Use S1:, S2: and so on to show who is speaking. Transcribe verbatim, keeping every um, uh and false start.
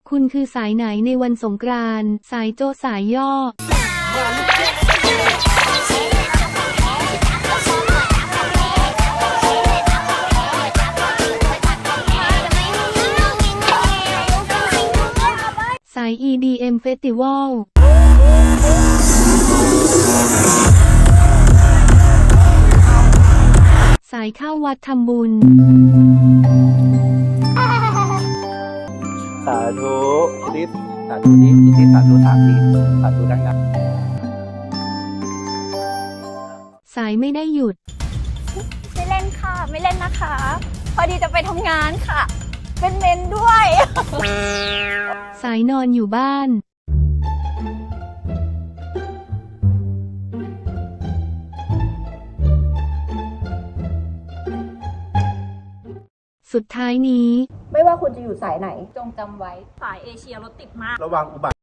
S1: คุณคือสายไหนในวันสงกรานต์สายโจสายย่อสาย อี ดี เอ็ม Festival สายเข้าวัดทำบุญ
S2: สาธุอิทธิสาธุนี้อิทธิสาธุสามทีสาธุดังๆ
S1: สายไม่ได้หยุด
S3: ไม่เล่นค่ะไม่เล่นนะคะ พอดีจะไปทำงานค่ะ เป็นเมนด้วย
S1: สายนอนอยู่บ้านสุดท้ายนี้
S3: ไม่ว่าคุณจะอยู่สายไหนจงจำไว้สายเอเชียรถติดมาก
S2: ระวังอุบัติ